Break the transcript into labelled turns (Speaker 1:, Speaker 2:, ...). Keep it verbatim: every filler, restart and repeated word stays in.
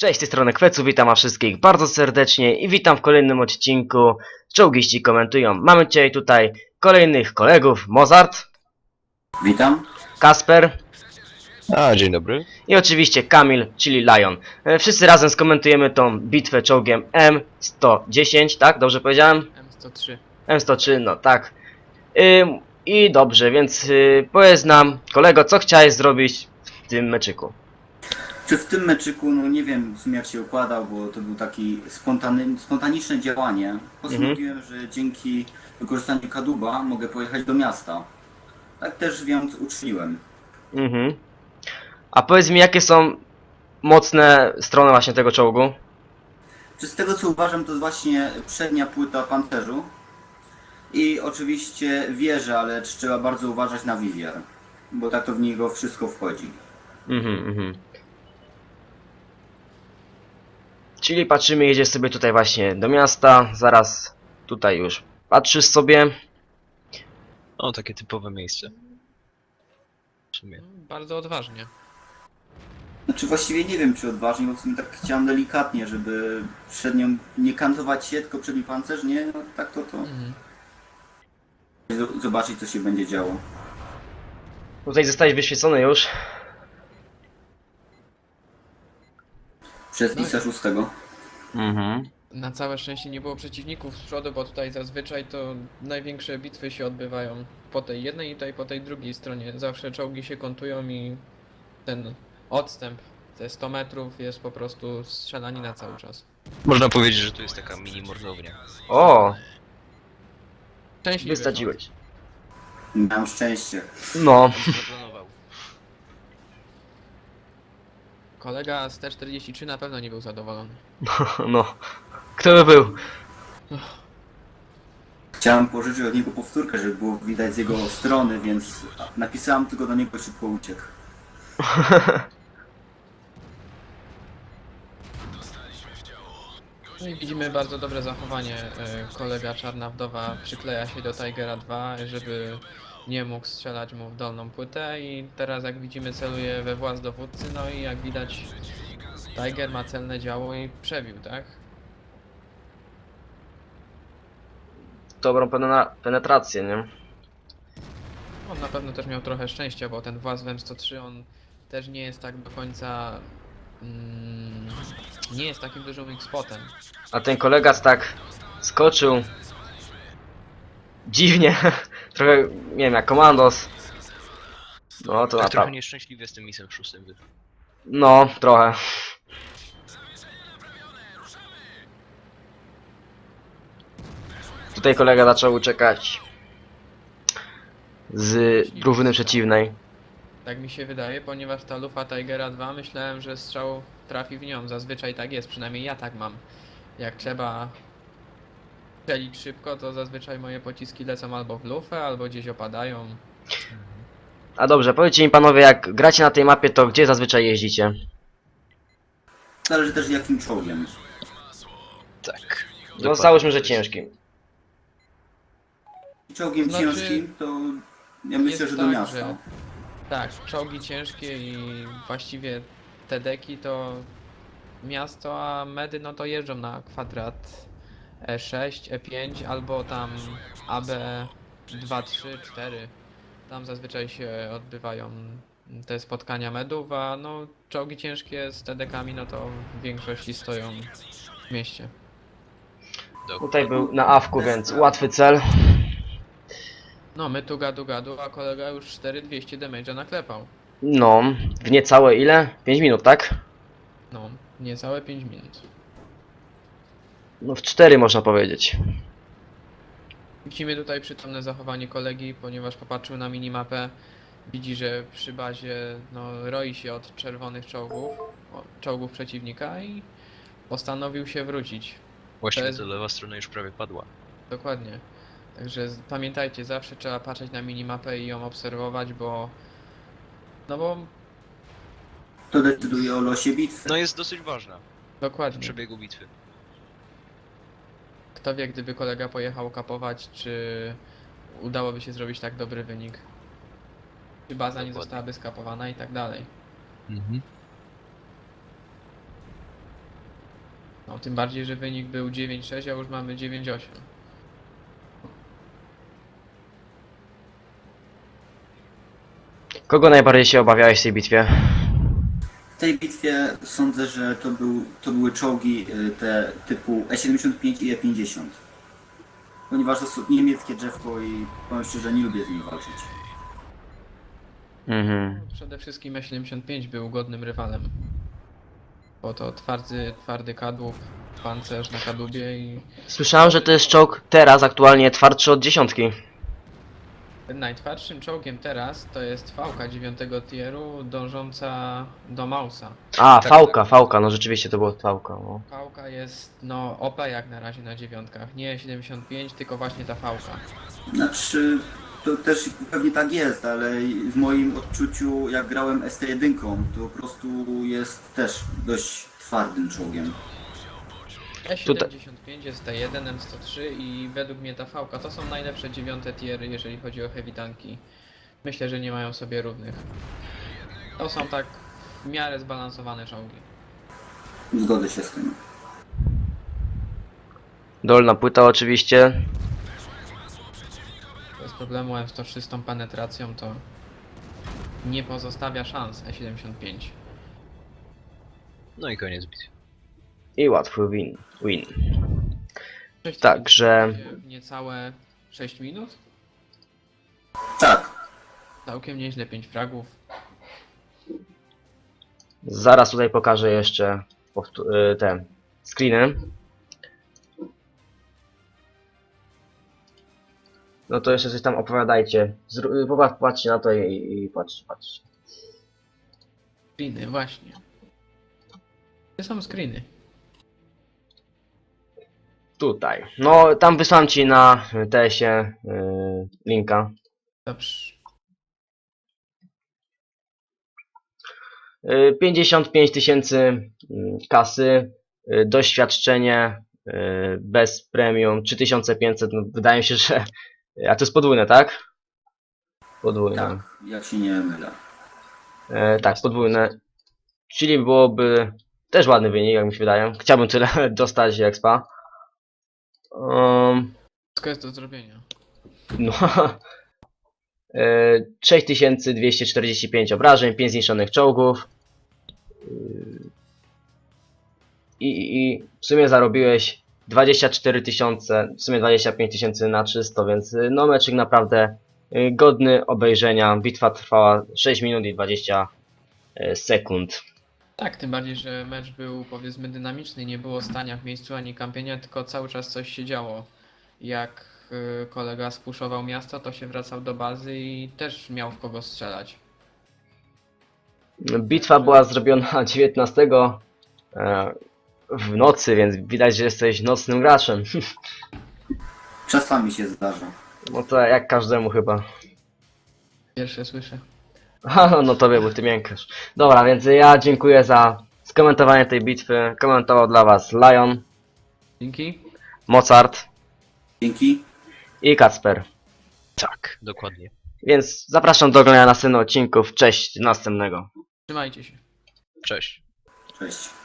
Speaker 1: Cześć, z tej strony Kwecu, witam was wszystkich bardzo serdecznie i witam w kolejnym odcinku Czołgiści komentują. Mamy dzisiaj tutaj kolejnych kolegów, Mozart,
Speaker 2: Witam.
Speaker 1: Kasper
Speaker 3: A, dzień dobry.
Speaker 1: i oczywiście Kamil, czyli Lion. E, Wszyscy razem skomentujemy tą bitwę czołgiem M sto dziesięć, tak? Dobrze powiedziałem?
Speaker 4: M sto trzy.
Speaker 1: M sto trzy, no tak. Ym, I dobrze, więc y, powiedz nam, kolego, co chciałeś zrobić w tym meczyku?
Speaker 2: Czy w tym meczyku, no nie wiem w sumie jak się układał, bo to był taki spontany, spontaniczne działanie. Postanowiłem, że dzięki wykorzystaniu kadłuba mogę pojechać do miasta. Tak też więc uczyniłem.
Speaker 1: Mhm. A powiedz mi, jakie są mocne strony właśnie tego czołgu?
Speaker 2: Czy z tego co uważam, to jest właśnie przednia płyta pancerzu. I oczywiście wieża, ale trzeba bardzo uważać na Vivier, bo tak to w niego wszystko wchodzi.
Speaker 1: Mhm, mhm. Czyli patrzymy, jedziesz sobie tutaj właśnie do miasta, zaraz tutaj już patrzysz sobie.
Speaker 3: O, takie typowe miejsce. W sumie.
Speaker 4: No, bardzo odważnie.
Speaker 2: Znaczy właściwie nie wiem czy odważnie, bo w sumie tak chciałem delikatnie, żeby przed nią nie kantować się, tylko przedni pancerz, nie? No tak to to.
Speaker 4: Mhm.
Speaker 2: Z- Zobaczyć co się będzie działo.
Speaker 1: Tutaj zostałeś wyświecony już.
Speaker 2: Przez
Speaker 4: No i-
Speaker 2: Isa szóstego.
Speaker 1: Mhm.
Speaker 4: Na całe szczęście nie było przeciwników z przodu, bo tutaj zazwyczaj to największe bitwy się odbywają po tej jednej i tutaj po tej drugiej stronie. Zawsze czołgi się kontują i ten odstęp, te sto metrów jest po prostu strzelanina cały czas.
Speaker 3: Można powiedzieć, że to jest taka mini mordownia.
Speaker 1: O,
Speaker 4: Szczęśliwy
Speaker 1: wysadziłeś.
Speaker 2: Miałem szczęście.
Speaker 1: No,
Speaker 3: Zaplanował.
Speaker 4: kolega z T czterdzieści trzy na pewno nie był zadowolony.
Speaker 1: no. Kto by był?
Speaker 2: Chciałem pożyczyć od niego powtórkę, żeby było widać z jego strony, więc napisałem tylko do niego szybko uciekł.
Speaker 4: No i widzimy bardzo dobre zachowanie. e, Kolega Czarna Wdowa przykleja się do Tigera dwa, żeby nie mógł strzelać mu w dolną płytę i teraz jak widzimy celuje we włas dowódcy, no i jak widać Tiger ma celne działo i przebił, tak?
Speaker 1: Dobrą penena- penetrację, nie?
Speaker 4: On na pewno też miał trochę szczęścia, bo ten włas w M sto trzy on też nie jest tak do końca... Mm, nie jest takim dużym X-spotem.
Speaker 1: A ten kolega tak skoczył dziwnie. Trochę, nie wiem, jak komandos. No to
Speaker 3: Tak trochę
Speaker 1: naprawdę.
Speaker 3: nieszczęśliwie z tym misem szóstym wyszło.
Speaker 1: No, trochę. Tutaj kolega zaczął uciekać z drużyny przeciwnej.
Speaker 4: Tak mi się wydaje, ponieważ ta lufa Tigera dwa myślałem, że strzał trafi w nią. Zazwyczaj tak jest, przynajmniej ja tak mam. Jak trzeba strzelić szybko, to zazwyczaj moje pociski lecą albo w lufę, albo gdzieś opadają.
Speaker 1: A dobrze, powiedzcie mi panowie, jak gracie na tej mapie, to gdzie zazwyczaj jeździcie?
Speaker 2: Zależy też jakim czołgiem.
Speaker 3: Tak.
Speaker 1: No załóżmy, że ciężkim.
Speaker 2: Czołgiem
Speaker 4: Znaczy,
Speaker 2: ciężkim to ja myślę,
Speaker 4: jest
Speaker 2: że do
Speaker 4: tak,
Speaker 2: miasta.
Speaker 4: że- Tak, czołgi ciężkie i właściwie te deki to miasto, a medy no to jeżdżą na kwadrat E sześć, E pięć albo tam A B dwa, trzy, cztery. Tam zazwyczaj się odbywają te spotkania medów, a no czołgi ciężkie z T D-kami no to w większości stoją w mieście.
Speaker 1: Tutaj był na awku, więc łatwy cel.
Speaker 4: No my tu gadu gadu, a kolega już cztery dwieście damage'a naklepał.
Speaker 1: No, w niecałe ile? pięć minut, tak?
Speaker 4: No, niecałe pięć minut.
Speaker 1: No w cztery można powiedzieć.
Speaker 4: Widzimy tutaj przytomne zachowanie kolegi, ponieważ popatrzył na minimapę. Widzi, że przy bazie no, roi się od czerwonych czołgów, o, czołgów przeciwnika i postanowił się wrócić.
Speaker 3: Właściwie
Speaker 4: To jest-
Speaker 3: to lewa strona już prawie padła.
Speaker 4: Dokładnie. Także z- pamiętajcie, zawsze trzeba patrzeć na minimapę i ją obserwować, bo... No bo...
Speaker 2: To decyduje o losie bitwy.
Speaker 3: No jest dosyć ważna w
Speaker 4: Dokładnie.
Speaker 3: przebiegu bitwy.
Speaker 4: Kto wie, gdyby kolega pojechał kapować, czy udałoby się zrobić tak dobry wynik. Czy baza nie
Speaker 3: Dokładnie.
Speaker 4: zostałaby skapowana i tak dalej.
Speaker 3: Mhm.
Speaker 4: No, tym bardziej, że wynik był dziewięć sześć, a już mamy dziewięć osiem.
Speaker 1: Kogo najbardziej się obawiałeś w tej bitwie?
Speaker 2: W tej bitwie sądzę, że to, był, to były czołgi y, te typu E siedemdziesiąt pięć i E pięćdziesiąt. Ponieważ to są niemieckie drzewko i powiem szczerze, nie lubię z nimi walczyć.
Speaker 1: Mhm.
Speaker 4: Przede wszystkim E siedemdziesiąt pięć był godnym rywalem. Bo to twardy, twardy kadłub, pancerz na kadłubie i
Speaker 1: Słyszałem, że to jest czołg teraz aktualnie twardszy od dziesiątki.
Speaker 4: najtwardszym czołgiem teraz to jest Fałka dziewiątego tieru dążąca do Mausa.
Speaker 1: A,
Speaker 3: Tak,
Speaker 1: fałka, fałka, no rzeczywiście to było fałka. No.
Speaker 4: Fałka jest no O P jak na razie na dziewiątkach, nie siedemdziesiąt pięć, tylko właśnie ta Fałka.
Speaker 2: Znaczy, to też pewnie tak jest, ale w moim odczuciu, jak grałem S T jeden, to po prostu jest też dość twardym czołgiem.
Speaker 4: E siedemdziesiąt pięć jest T jeden, M sto trzy i według mnie ta Fałka to są najlepsze dziewiąte tiery, jeżeli chodzi o heavy tanki. Myślę, że nie mają sobie równych. To są tak w miarę zbalansowane czołgi.
Speaker 2: Zgodzę się z tym.
Speaker 1: Dolna płyta oczywiście.
Speaker 4: Bez problemu M sto trzy z tą penetracją to nie pozostawia szans E siedemdziesiąt pięć.
Speaker 3: No i koniec bitwy.
Speaker 1: I łatwy win. win.
Speaker 4: Sześć
Speaker 1: Także-
Speaker 4: minut, niecałe sześć minut?
Speaker 2: Tak,
Speaker 4: Całkiem nieźle, pięć fragów.
Speaker 1: Zaraz tutaj pokażę jeszcze powtó- y, te screeny. No to jeszcze coś tam opowiadajcie. Zró- popatrz- Patrzcie na to i, i patrzcie, patrzcie.
Speaker 4: Screeny, właśnie. Gdzie są screeny?
Speaker 1: Tutaj. No tam wysłałem ci na T S-ie y, linka.
Speaker 4: Dobrze.
Speaker 1: Y, pięćdziesiąt pięć tysięcy y, kasy, y, doświadczenie y, bez premium trzy tysiące pięćset, no wydaje mi się, że... A to jest podwójne, tak? Podwójne.
Speaker 2: tak, jak się nie mylę.
Speaker 1: E, tak, podwójne. Czyli byłoby też ładny wynik, jak mi się wydaje. Chciałbym tyle dostać expa. Um,
Speaker 4: Wszystko jest do zrobienia.
Speaker 1: no. E, sześć tysięcy dwieście czterdzieści pięć obrażeń, pięć zniszczonych czołgów. I, i, I w sumie zarobiłeś dwadzieścia cztery tysiące, w sumie dwadzieścia pięć tysięcy na czysto, więc y, no meczyk naprawdę y, godny obejrzenia. Bitwa trwała sześć minut i dwadzieścia sekund.
Speaker 4: Tak, tym bardziej, że mecz był powiedzmy dynamiczny, nie było stania w miejscu ani kampienia, tylko cały czas coś się działo. Jak y, kolega spuszował miasto, to się wracał do bazy i też miał w kogo strzelać.
Speaker 1: Bitwa była zrobiona dziewiętnastego e, w nocy, więc widać, że jesteś nocnym graczem.
Speaker 2: Czasami się zdarza.
Speaker 1: No to jak każdemu chyba.
Speaker 4: Pierwsze słyszę.
Speaker 1: Haha, no tobie, bo ty miękasz. Dobra, więc ja dziękuję za skomentowanie tej bitwy. Komentował dla was Lion,
Speaker 4: Dzięki.
Speaker 1: Mozart
Speaker 2: Dzięki.
Speaker 1: i Kacper.
Speaker 3: Tak, dokładnie.
Speaker 1: Więc zapraszam do oglądania następnych odcinków. Cześć, do następnego.
Speaker 4: Trzymajcie się.
Speaker 3: Cześć.
Speaker 2: Cześć.